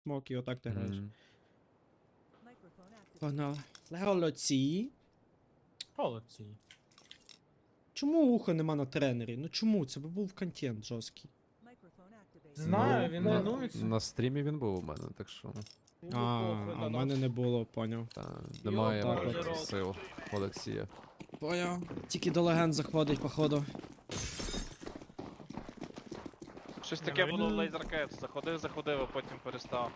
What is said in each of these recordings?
смок і отак ти граєш. Мгм. Погнали. Леолоці. Холодці. Чому уха нема на тренері? Ну чому? Це би був контент жорсткий. Знаю, Ну, він на- лінується. На стрімі він був у мене, так що А в мене не було, поняв. немає так проти от. сил Олексія. Поняв. Тільки до легенд заходить, походу. Щось Не, таке ну було в він- Lasercats. Заходив, а потім перестав.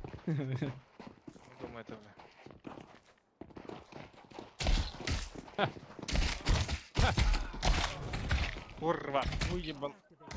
Думаєте ви. Курва. Уїбан.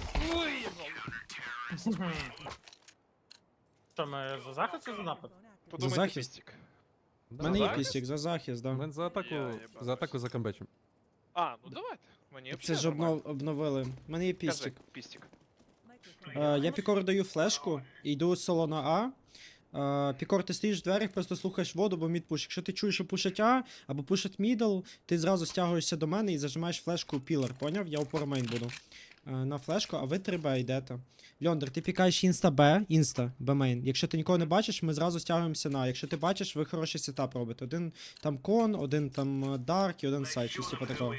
Що, ми за захист чи за напад? Подумайте, захист. пістік. У мене є захист? пістік, за захист, да. Мен за атаку, Я їбав. за атаку за камбечем. А, ну давайте. Мені Це взагалі ж нормально. обновили. У мене є Кажи, пістік. пістік. Я Пікору даю флешку, і йду соло на А. Пікор, ти стоїш в дверях, просто слухаєш воду, бо мід пуш. Якщо ти чуєш, що пушать А, або пушать мідл, ти зразу стягуєшся до мене і зажимаєш флешку пілер, поняв? Я упор мейн буду. На флешку, а ви 3Б йдете. Льондер, ти пікаєш інста Б, Б мейн. Якщо ти нікого не бачиш, ми зразу стягуємося на. Якщо ти бачиш, ви хороший сетап робите. Один там кон, один там дарк і один сайт, щось типу такого.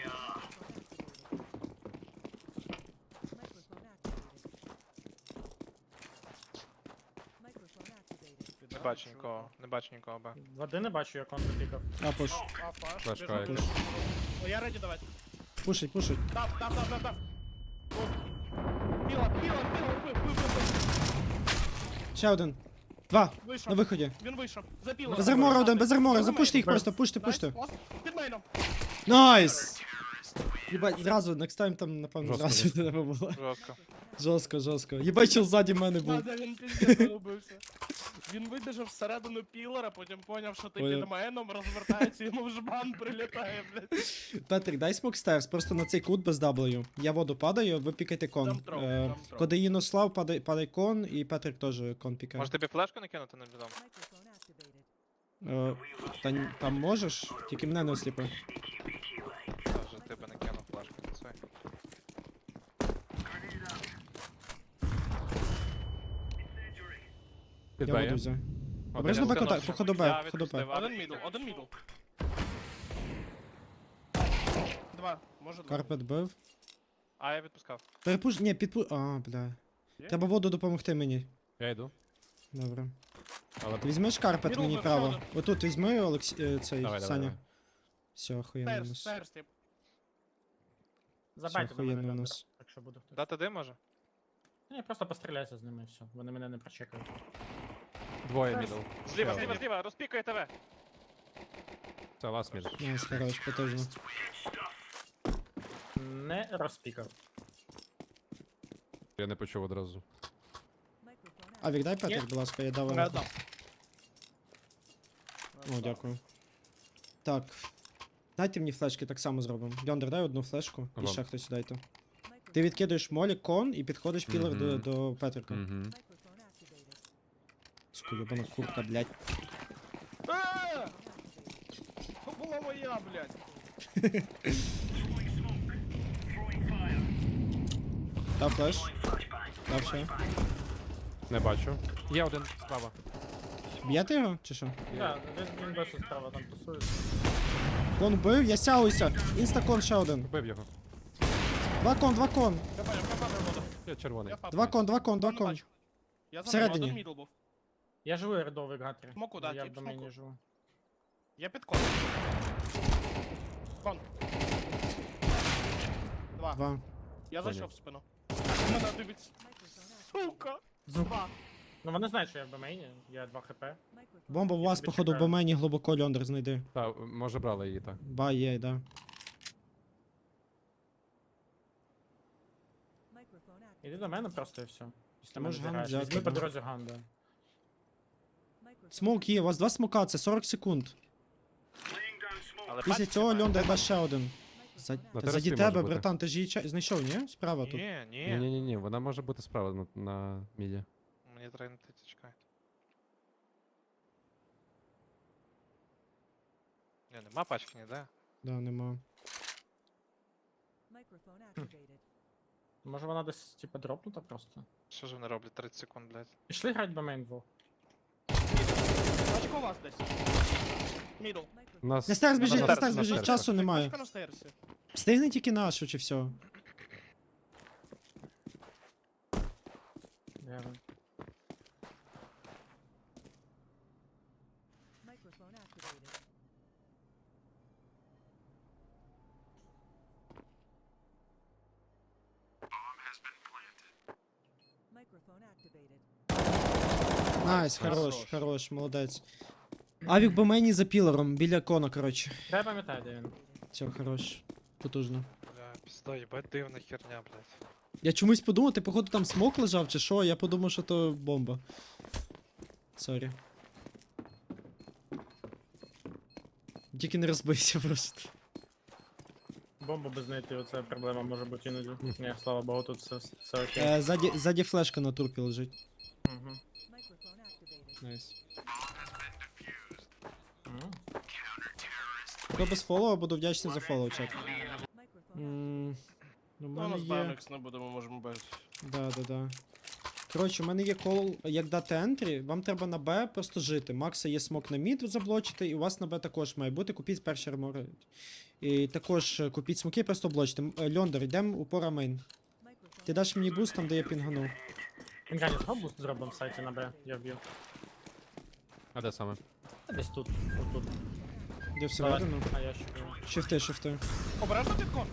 Не бачу нікого, не бачу нікого, бе. Води не бачу, як он запікав. А, пуш. Флешка Пуш. О, я раді давати. Пушить, пушить. Дав. Піла, Ще один. Два. вийшов. На виході. Він вийшов. Запіла. Без армора один, без армора. Запуште їх просто, пуште, пуште. Під мейном. Найс! Єбать, зразу, next time там, напевно, Жорстко, зразу жорстко. треба було. Жорстко. Жорстко, жорстко. Єбать, чел ззаді мене був. Надя, він піздець заробився. Він вибіжав всередину пілора, потім поняв, що ти Поняв. під мейном, розвертається, йому в жбан прилітає, блядь. Петрик, дай смок стерс, просто на цей кут без W. Я воду падаю, ви пікайте кон. Дам трохи. Коли Єнослав, падай кон, і Петрик теж кон пікає. Може тобі флешку накинути на бідом? Там можеш, тільки мене не осліпи. Вже тебе накинув флешку. Це. Під Я Б воду є? взяв. Один. Обережно Я Б кота, скинувся. походу Я Б, походу Б. відпустив. Один мідл. Два, може два. Карпет бив. А, я відпускав. Перепуш, ні, підпу... А, бля. Є? Треба воду допомогти мені. Я йду. Добре. Але Ти візьмеш карпет Мідл мені бив, право. правда. Отут візьми, цей, давай, Саня. давай. Все, охуєнно у нас. Стейрс, тип. Забайте до охуєнно мене, у Льондер, нас. якщо буде хтось. Дати дим може? Ні, просто постріляйся з ними і все. Вони мене не прочекають. Двоє мідл. Зліва, Ще один. зліва, розпікає тебе. Це ласт мідл. Найс, хорош, потужно. Не розпікав. Я не почув одразу. А, віддай Петрик, будь ласка, я дав. Я дав. О, дякую. Так. Дайте мені флешки, так само зробимо. Льондер, дай одну флешку, і Вам. ще хтось дайте. Ти відкидаєш молі, кон і підходиш пілер Мгм. до Петрика. Угу. Сука, єбана курка, блядь. Ааа! То була моя, блядь. Дав флеш. Дав ще. Не бачу. Є один справа. Б'єте його, чи що? Так, він досі справа там тусується. Кон вбив, я сяуюся. Інстакон ще один. Вбив його. Два кон. Я падаю воду. Я червоний. Я падаю. Два кон. Не бачу. Я за Всередині. один мідл був. Я живу рядовий гатрі. Смоку, да, Я в тип, домені смоку. живу. Я під кон. Кон. Два. Я Поняв. зайшов в спину. Мене дивиться. Сука. Два. Ну вони знають, що я в домені, я 2 хп. Бомба у вас, тобі походу, в чекаю. мені глибоко Льондер знайди. Та, може брали її так. Ба, є, да. Іди до мене просто і все. Після Можеш мене ган зіграєш. взяти, Візьми по да. дорозі ган, да. Смок є, у вас два смока, це 40 секунд. Але Після пачки цього немає. Льондер дасть ще один. На Заді терасі тебе, може бути. братан, ти ж її знайшов, ні? Справа тут. Ні, ні. Ні-ні-ні, вона може бути справа на міді. Мені треба не тити, чекайте. Ні, нема пачки ніде. Да, нема. Може вона десь типа дропнута просто. Що ж вони роблять 30 секунд, блядь? Пішли грати б мейн двох. Очко у вас десь. Мідл. У нас... На стейрс біжить, на на стейрс, стейрс на біжить, стейрс. часу немає. Очко на стейрсі. Встигни тільки нашу, чи все. Я... Microphone activated. Microphone activated. Найс, Хорош. хорош, хорош, молодець. Авік би мені за пілером, біля кона, коротше. Я пам'ятаю, де він. Все, хорош. Потужно. Бля, пізда, їбать дивна херня, блядь. Я чомусь подумав, ти походу там смок лежав чи що, я подумав, що то бомба. Сорі. Тільки не розбийся просто. Бомбу без знайти, оце проблема може бути іноді. Ні, слава богу, тут все окей. Ззаді флешка на турпі лежить. Мгм. Microphone activated. Найс. Мгм. Хто без фоллоу, буду вдячний за фоллоу, чат. Microphone Ну, в Ну, у мене нас є... Баймекс не будемо, можемо без. Да. Коротше, у мене є кол, як дати ентрі, вам треба на Б просто жити. Макса є смок на мід заблочити, і у вас на Б також має бути. Купіть перші армори. І також купіть смоки, просто облочте. Льондер, йдемо упора мейн. Ти даш мені буст там, де я пінгану. Інгані, згод буст зробимо в сайті на Б, я вб'ю. А де саме? Десь тут, отут. Де всередину? А я ще. Шифти. Обережно підкон.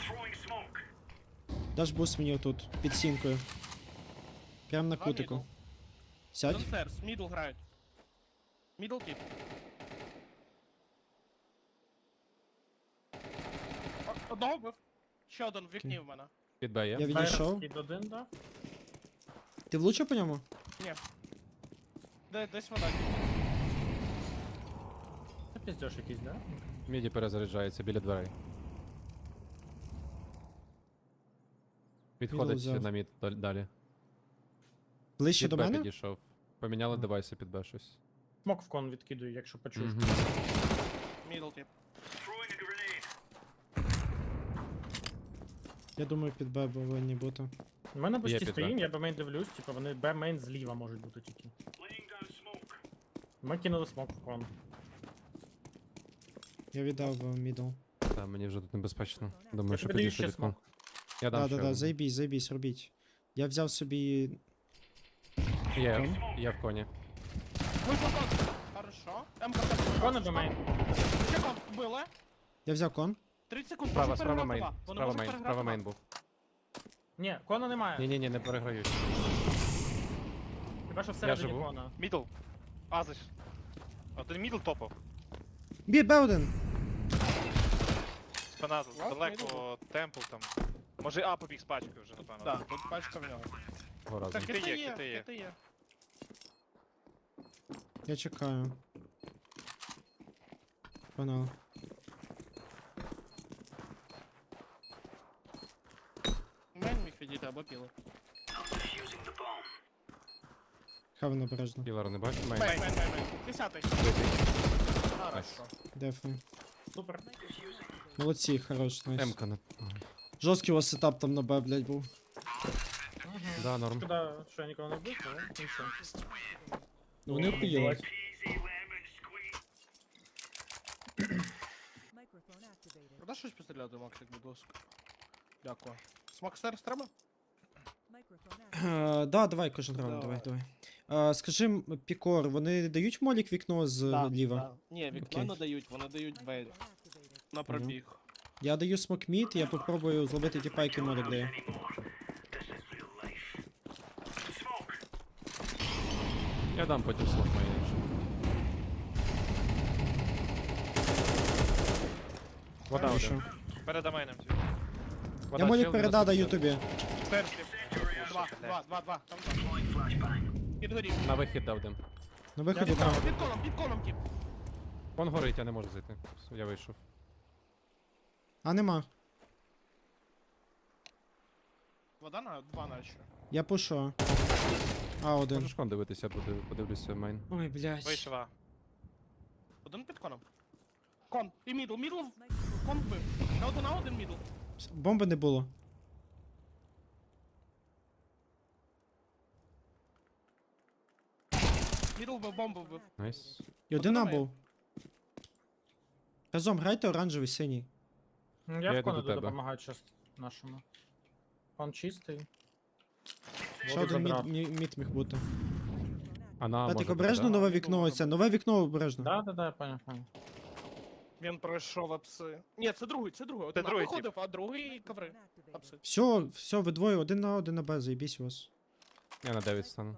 Даш буст мені отут, під сінкою. Прям на Два кутику. мідл. Сядь. Донстерс, мідл грають. Мідл кіп. Одного вбив. Ще один в вікні в мене. Під Б є? Я відійшов. Під один, да? Ти влучив по ньому? Десь вода. Це піздьош якийсь, да? Міді перезаряджається біля дверей. Відходить взяв. на мід далі. Ближче Під до Б мене? підійшов. Поміняли Ага. девайси під Б щось. Смок в кон відкидую, якщо почуєш. Мгм. Мідл кіп. Я думаю, під Б повинні бути. У мене бусті під Б. стоїм, я Б-мейн дивлюсь, типу вони Б-мейн зліва можуть бути тільки. Ми кинули смок в кон. Я віддав мідл. Та, мені вже тут небезпечно. Думаю, Я що тобі даю підійшли ще від кон. смок. Я дам ще Да, один. заєбісь, робіть. Я взяв собі. Я в коні. Вийшов кон. Хорошо. МК. Кон і Б-мейн. Ще кон. Вбили. Я взяв кон. 30 секунд. Справа, можуть справа переграти мейн. два. Вони Справа можуть мейн, переграти справа два. мейн був. Ні, кона немає. Ні, не переграють. Хіба що всередині живу. кона. Мідл. Азиш. Один мідл топав. Б1! Спина Клас, далеко, темпл там. Може А побіг з пачкою вже, напевно. Так, тут пачка в нього. Того разу. Так, Кити кити є, є, кити є. кити є. Я чекаю. Панал. Мейн міг відійти або піли. Хавен обережно. Кілер не бачу, мейн. Мейн. 10-й. Хорошо. Дефи. Супер. Молодці, хорош, найс. М-ка не... Жорсткий у вас сетап там на Б, блядь, був. Да, норм. Шкода, що я нікого не вбив, але нічого. Ну вони охуєли. Microphone activated. Продай щось постріляти, Максик, будь ласка. Дякую. Смокстерс треба? Microphone activated. Да, давай кожен раунд, давай. Скажи, Пікор, вони дають молік вікно зліва? Ні, вікно Окей. не дають, вони дають двері. Microphone activated. На пробіг. Я даю смок мід, я попробую зловити ті пайки молік дає. Я дам потім слот мейн. якщо. Вода Хорошо. один. Перед мейном. Вода, Я молік чел, передав, даю 90%. тобі. Стерс. Два. Там два. Підгорів. На вихід дав дим. На виході там. Під колом, кіп. Вон горить, я не можу зайти. Все, я вийшов. А нема. Вода на два наче. Я пушу. А, один. Можеш кон дивитися, подивлюся мейн. Ой, блядь. Вийшов А. Один під коном. Кон. І мідл. Кон вбив. На один на один мідл. Бомби не було. Мідл вбив, бомбу вбив. Найс. І один А Подумай. був. Разом грайте оранжевий, синій. Ну, Я Я в йду до кону тебе. допомагаю щас нашому. Кон чистий. Ще Воду один забрав. мід міг бути. А на Петик, може обережно бути, да? нове вікно оце. Нове вікно обережно. Да, я понял. Він пройшов апси. Ні, це другий, це другий. Один другий виходив, а другий коври. Апси. Все, ви двоє, один на Б, заєбісь у вас. Я на 9 стану.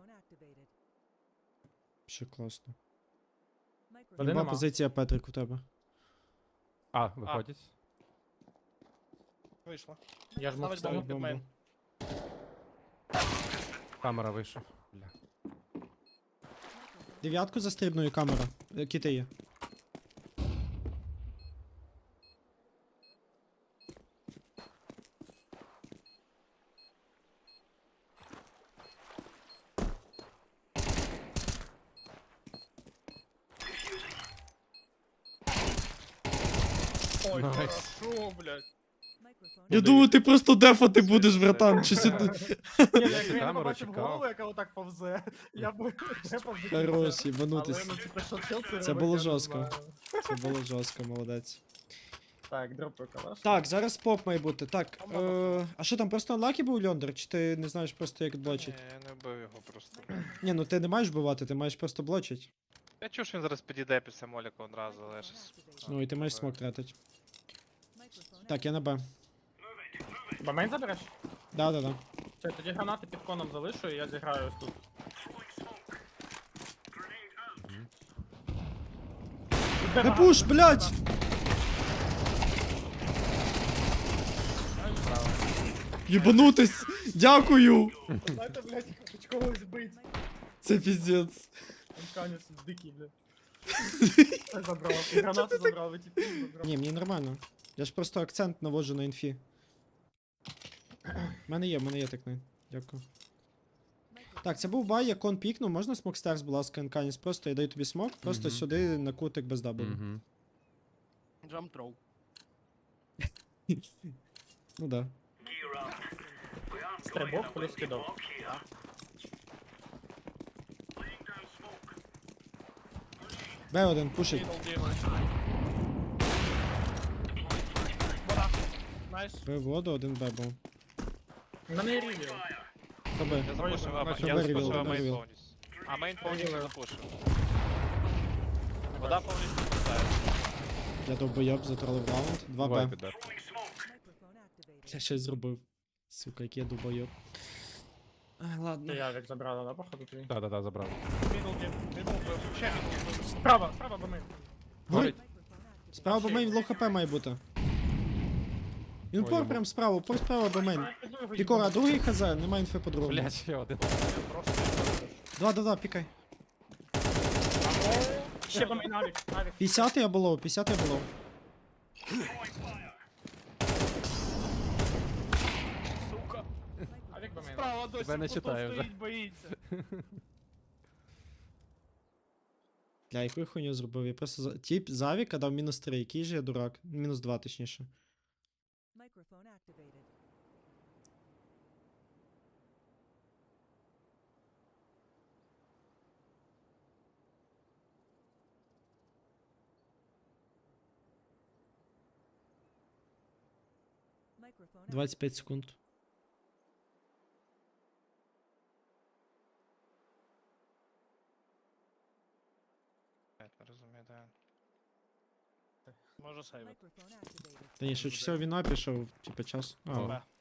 Ще класно. Один Люба нема. позиція Петрик у тебе. А, виходять. Вийшла. Я ж мог Ставить бомбу вставити. під мейн. Камера вийшов. Бля. Дев'ятку застрибною камера. Кіти є. Ой, Найс. хорошо, блядь. Я думаю, ти просто дефати будеш, братан. Чи сюди. Ні, якби я не Камеру побачив чекав. голову, яка отак повзе, я б не повзе. Хорош, Але, їбанутись. ну, типу, що чел це Це робить, було я не жорстко. знаю. Це було жорстко, молодець. Так, дропаю калаш. Так, зараз поп має бути. Так, а що там, просто анлакі був Льондер? Чи ти не знаєш просто як Ні, блочить? я не вбив його просто. Ні, ну ти не маєш вбивати, ти маєш просто блочить. Я чув, що він зараз підійде після моліка одразу, але я щас... Ну і ти маєш смок тратить. Так, я на Б. Бамейн забереш? Да. Все, тоді гранати під коном залишу, і я зіграю ось тут. Не пуш, блядь! Єбанутись! Дякую! Знаєте, блядь, хоч когось збить. Це піздець. Анканець дикий, блядь. Це забрав. І гранати забрав, і тіпів забрав. Ні, мені нормально. Я ж просто акцент наводжу на інфі. В мене є так не. Дякую. Так, це був бай, я кон пікнув, можна смок стерс, будь ласка, Анканіс? Просто я даю тобі смок, просто Мгм. сюди на кутик без дабл. Угу. Джамп троу. Ну да. Стрибок плюс кидок. Б1, пушить. Мідл дімон. Вода. Найс. Б воду, один Б був. У мене є рівів. Хто Б? Я запушив А, бачу, я вирівіл, запушив мейн вирівіл. повністю. А мейн повністю Вирівіл. запушив. Вода повністю пустає. Я довбойоб, затролив раунд. 2 Буває Б. піде. Я щось зробив. Сука, який я довбойоб. Ти Ладно. явик забрала, да, походу твій? Да, забрав. Мідл дім. Мідл вбив. Ще мідл вбив. Справа бамейн. Горить. Справа бомейн, лоу хп має бути. Він пор Ой, прям справа, пор справа бомейн. Пікора, другий хз, немає інфи по другому. Блять, ще один. Да, пікай. Ще бамейн, авік, авік. 50 я було, 50 я було. Сука. Авік бамейн. Справа досі Тебе не тут читаю вже. стоїть, боїться. Бля, яку я хуйню зробив? Я просто тип з авіка дав мінус 3, який же я дурак? Мінус 2, точніше. Microphone activated. Microphone 25 секунд. Я не розумію, де. Може сейвити. Microphone activated. Та ні, швидше всього він пішов, типа час. А, О. Б.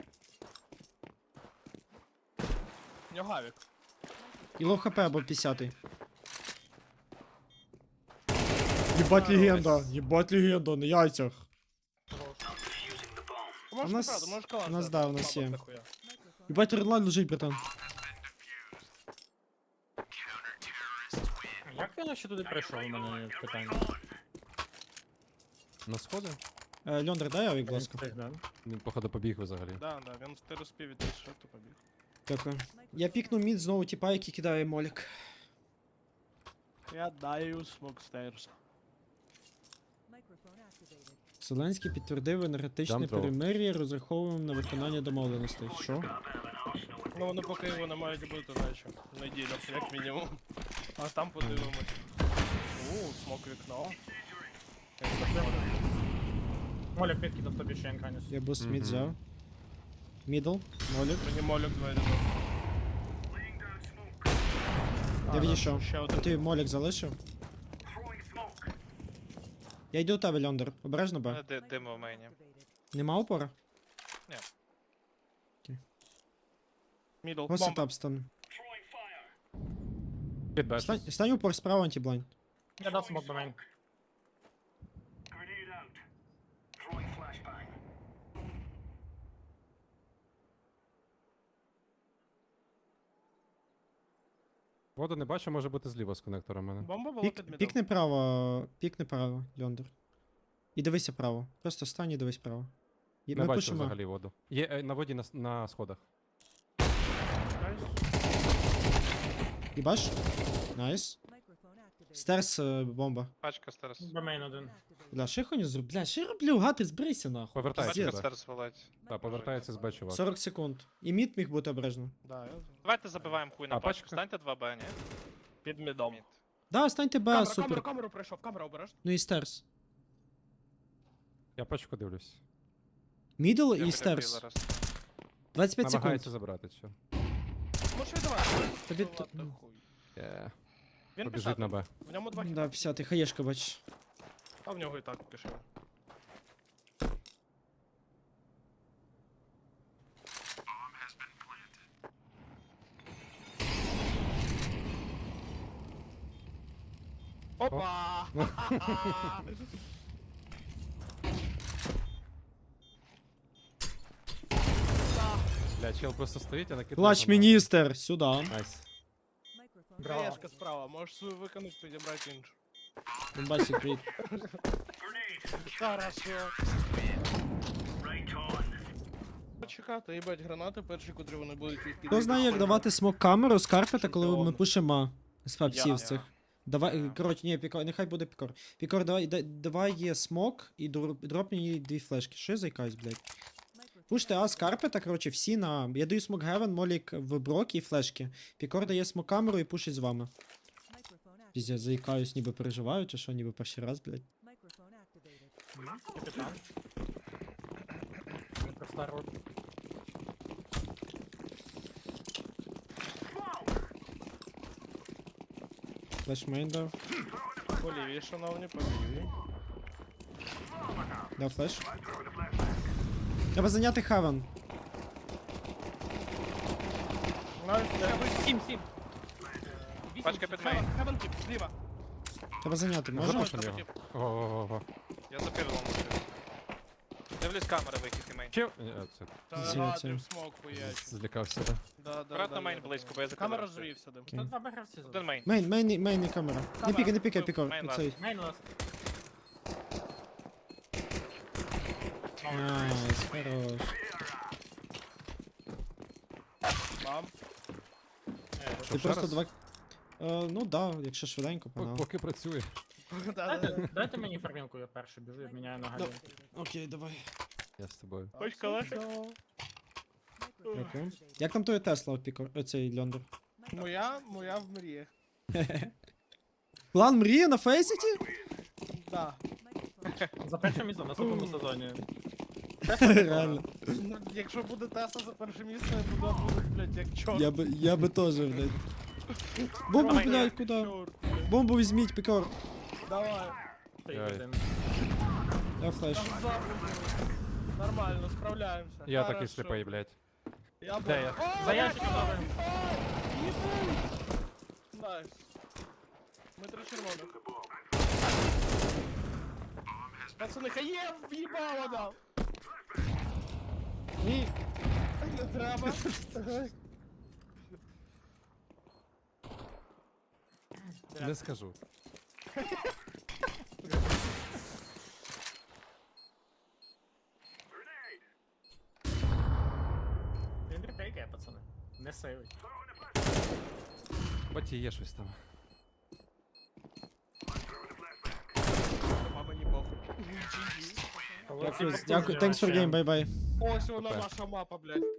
В нього авік. і лоу хп або 50. Єбать легенда, на яйцях. Можеш У нас- правда, можеш калаш. у нас, дати, да, у нас бабок є. нахуя. Microphone Єбать редлайн лежить, братан. Як він ще туди прийшов, у мене питання. На сходи? Льондер, дай авік, будь ласка. Встиг, да? Він, походу, побіг взагалі. Да, він ти розпів від що то побіг. Дякую. Я пікну мід знову типа, який кидає молік. Я даю смок стейрс. Microphone activated. Зеленський підтвердив енергетичне Jump throw. перемир'я, розраховуємо на виконання домовленостей. Що? Ну вони поки його не мають бути, наче. Неділю, як мінімум. А там подивимось. Смок вікно. Молік підкидав тобі ще Енканіс. Я буст Мгм. мід взяв. Мідл, молік. Мені молік двері дав. Я відійшов. Ще А один. ти молік залишив? Я йду до тебе, Льондер. Обережно Б. Димо в мейні. Activated. Нема опора? Мідл. Ось Бомба. сетап стан. Під Б. Стань упор справа, антиблайн. Я дав смок до мейн. Воду не бачу, може бути зліва з коннектора в мене. Бомба була під мідл. Пікни право, Льондер. І дивися право. Просто стань і дивись право. І Не ми бачу пишемо. взагалі воду. Є на воді на сходах. І баш? Найс. Microphone activated. Стерс бомба. Пачка старс. До мейн один. Activated. Бля, що я хуйню зроблю? Бля, що я роблю? Гати, зберися нахуй. Повертається Пачка Б. старс валить. Так, повертається з Б, чувак. 40 секунд. І мід міг бути обережно. Да, я Давайте забиваємо хуй на А, пачку. пачка? Станьте 2Б, ні? під мідом. Мід. Да, станьте Б, супер. Камеру прийшов, камера обережно. Ну і стерс. Я пачку дивлюсь. Мідл Я і стерс. піде зараз. 25 секунд. Намагається забрати все. Може давай. Тобі Ну, ладно, ну. хуй. Побіжить Він пішов. на Б. В ньому 2 Да, хіба. 50, хаєшка, бач. А в нього і так пішов. Опа! Бля, чел просто стоїть, а накидає. Клач міністр, сюди. Найс. Microphone. Браво. Хаєшка справа, можеш свою виконати, підібрати іншу. Бомбасик, привіт. Хорошо. Почекати, їбать гранати, перші, котрі вони будуть відкидати. Хто знає, як давати смок камеру з карпета, коли ми Чемпіон. пишемо з фапсів Я. цих. Давай, коротше, ні, Пікор, нехай буде Пікор. Пікор, давай є смок і дроп мені 2 флешки. Що я заїкаюсь, блядь? Microphone Пуште А з карпета, коротше, всі на... Я даю смок Гевен, Молік в брок і флешки. Пікор дає смок камеру і пушить з вами. Microphone activated. Піздя, заїкаюсь, ніби переживаю, чи що, ніби перший раз, блядь. Microphone activated. Капітан. Проста рот. Флешмейн дав. Поліві, шановні, поліві. Дав флеш. Треба зайняти Хевен. Сім. Пачка під мейн. Хевен тип, зліва. Треба зайняти, можна? Запушимо його. Ого-го-го. Я за півлом лежу. Дивлюсь камери вихід і мейн. Чел... Це, Та Зі, гадрив це. смок хуяч. злякався, да. Да. Аккуратно мейн близько, бо я за Камера камерою звівся, дим. Окей. Тут два гравці Один мейн. Мейн і камера. Не пікай, не пікай, Пікор. Мейн Цей. Мейн ласт. Найс, хорош. Бам. Ти Ще просто раз? два... Ну да, якщо швиденько, погнали. Поки працює. Дайте мені фармінку, я перший біжу, я міняю на галю. Окей, давай. Я з тобою. Хоч калашик? Microphone Дякую. activated. Як там той Тесла, Пікор, оцей Льондер? Моя в мріях. План мрії на Фейсіті? Да. Microphone За перше місце в наступному сезоні. Реально. Ну, якщо буде Тесла за перше місце, то буде, блядь, як чорт. Я би теж, блядь. Бомбу, Давай, блядь, куди? Чорт. Бомбу візьміть, Пікор. Давай. Ти Ой. один. Я флеш. Там ззаду. Нормально, справляємося. Я такий Хорошо. сліпий, блядь. Я Де я? О, За ящиком добре. Найс. Ми 3 червоних. Пацани, хаєв в'їбало дав. Ні. Не треба. Не скажу. Він репейкає, пацани. Не сейвить. Баті є щось там. А мені похуй. Дякую, thanks for game, bye-bye. Ось вона Супер. наша мапа, блядь.